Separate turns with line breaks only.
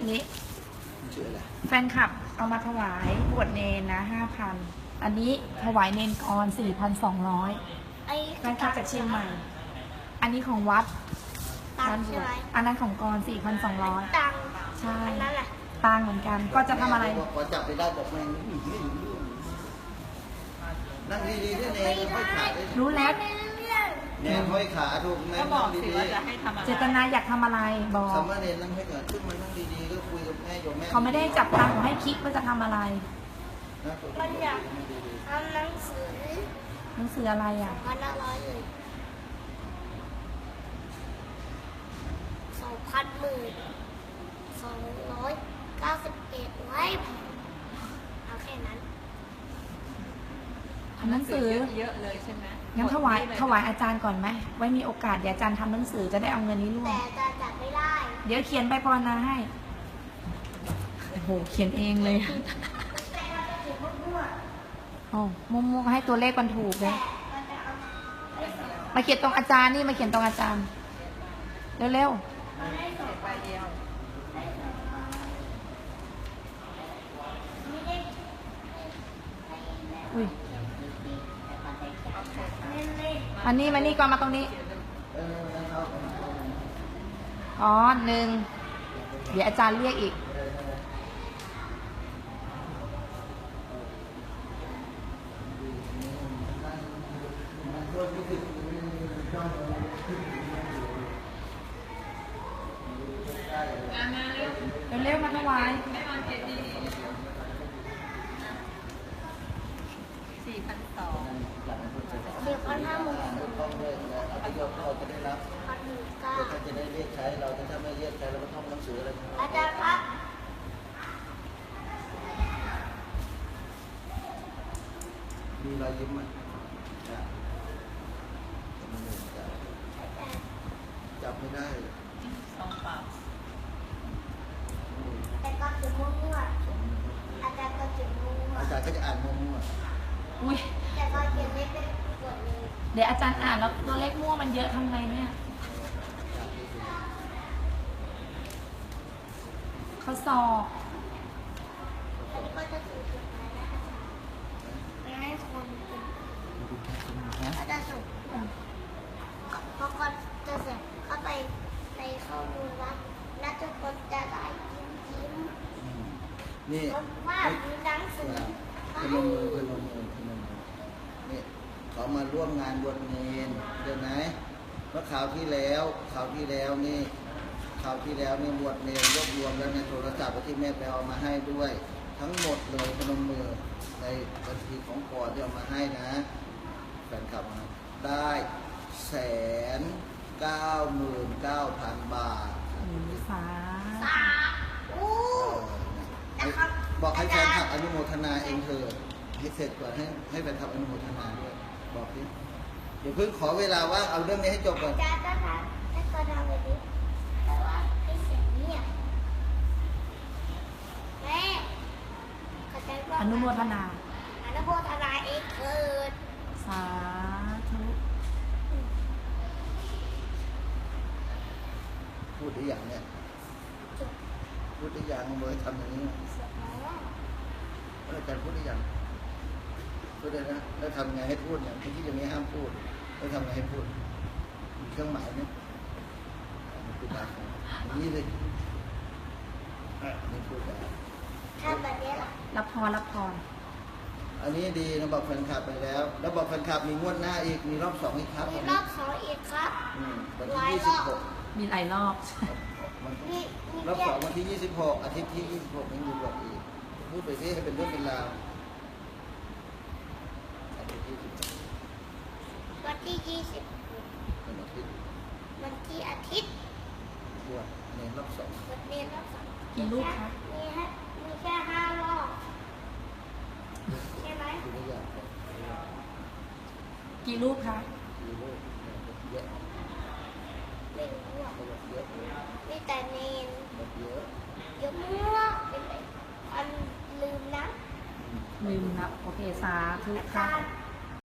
นี้
ชื่ออะไร
แฟนคลับเอามาถวายบวชเนนนะ5,000 อันนี้ถวายเนนกร4,200
ไอ้
แฟนคลับจากเชียงใหม่ อันนี้ของวัด
ตังค์ใช่ไหม
อันนั้นของกร4,200
ตังค์
ใช่
อันนั้นแหละ
ต่างเหมือนกัน ก็จะทำอะไร
พอจับไปได้บอกแม่งนั่งดีๆด้วยเนยห้อยขาด้วย
รู้แล้ว
ไม่รู้เรื่อง
เนี่ยห้อยขาถูกแม่
ก็บ
นั่
อก
ง
สิ
ดี
ว่าจะให้ทำอะไร
เจตนาอยากทำอะไรบอก
ๆสามเณรนั่งให้ขาขึ้นมานั่งดีๆก็คุยกับแม่โยมแม่
เขาไม่ได้จับตังค์ให้คิดว่าจะทำอะไร
มันอยากทำหนังสือ
หนังสืออะไรอ่ะ
1,500เลย2,291ไว้เอาแค่นั้น
หนังสือ
เยอะเลยใช่ไหม
งั้นถวายอาจารย์ก่อนไหมไว้มีโอกาสเดี๋ยวอาจารย์ทำหนังสือจะได้เอาเงินนี้ร่วม
แต่จะจับไม่ได้
เดี๋ยวเขียนไปภาวนาให้ โอ้โห เขียนเองเลยโอ้มั่วๆให้ตัวเลขมันถูกเลย มาเขียนตรงอาจารย์นี่มาเขียนตรงอาจารย์ เร็ว
ใบเดียว
ๆ อุ้ยมานี่ก่อนมาตรงนี้ อ๋อ1 เดี๋ยวอาจารย์เรียกอีก เร็วๆมาถวาย
4,200
เดี๋ยวเขาทำหมู
ต้องด้วยเอาไปโยมเราจะได้รับ
1,900
เพื่อท่านจะได้เรียกใช้เราถ้าไม่เรียกใช้เราก็ท่องหนังสืออะไร
อาจารย์ครับ
มีรอยยิ้มไหมจับไม่ได้
สองเปล่า
แต่ก็จุดมั่วๆอาจารย์ก็จุดมั่ว
อาจารย์ก็จะอ่านมั่ว
อุ้ย
ๆแต่ก็เขียนไม่เป็นกฎเลย
เดี๋ยวอาจารย์อ่านแล้วตัวเลขมั่วมันเยอะทำไงเนี่ยเขาสอบ
อันนี้ก็จะถูกกฎหมายนะคะไม่ให้คนเป็นก็จะส่งพอคนจะเสร็จก็ไปในข้อมูลวัดและทุกคนจะได้ยิ้ม
นี่
เพราะว่ามีหนังสือ
พนมมือนี่เขามาร่วมงานบวชเนรเดี๋ยวไหมเมื่อข่าวที่แล้วนี่บวชเนรรวบรวมแล้วในโทรศัพท์ที่แม่ไปเอามาให้ด้วย ทั้งหมดเลยพนมมือในบัญชีของก่อนที่เอามาให้นะแฟนคลับมาได้199,000 บาท
สา
สาอู้
บอกให้แฟนคลับอนุโมทนาเองเถอะให้เสร็จก่อนให้แฟนคลับอนุโมทนาด้วยบอกดิเดี๋ยวเพิ่งขอเวลาว่างเอาเรื่องนี้ให้จบก่อน
อาจารย์ก็ทำให้ก็ทำแบบนี้แต่ว่าให้เสียงเงียบแม่เข้าใจว่า
อนุโมทนา
อนุโมทนาเองเกิด
สาธุ
พูดได้อย่างเนี่ยพูดได้อย่างเมื่อทำอย่างนี้อาจารย์พูดได้อย่างพูดได้นะแล้วทำไงให้พูดเนี่ยที่อย่างนี้ห้ามพูดแล้วทำไงให้พูดมีเครื่องหมายไหมพูดได้นี่เลยนี่พูดได้
ทำแบบนี้เหรอ
รับพร
อันนี้ดีนะบอกแฟนคลับไปแล้ว แล้วบอกแฟนคลับมีงวดหน้าอีกมีรอบ2อีกครับ
มีรอบ2อีกครับ
วัน
หลาย
ที่
รอบ
26
มีหลายรอบ
มี
รอบ
แค่
2วันที่26อาทิตย์ที่26ยังมีบอกอีกพูดไปที่ให้เป็นเรื่องเป็นราวอาทิตย์ที่26
วันที่20
เป็นอาทิตย์
วันที่อาทิตย์
บวชในรอบ2
วันเรียนรอบสอง
กี่รูปคะ
มีแค่5 รอบใช่ไหม
คือไม่อยากบอก
กี่รูปคะ
คือโลกเยอะ
ไม่รู้อ่ะ
เขาบอกเยอะ
มีแต่เนน
บอกเยอะ
เยอะมากเป็นไรอันลืมนะ
ลืมนับ โอเค สาธุ
อา
ค่ะ
จารย์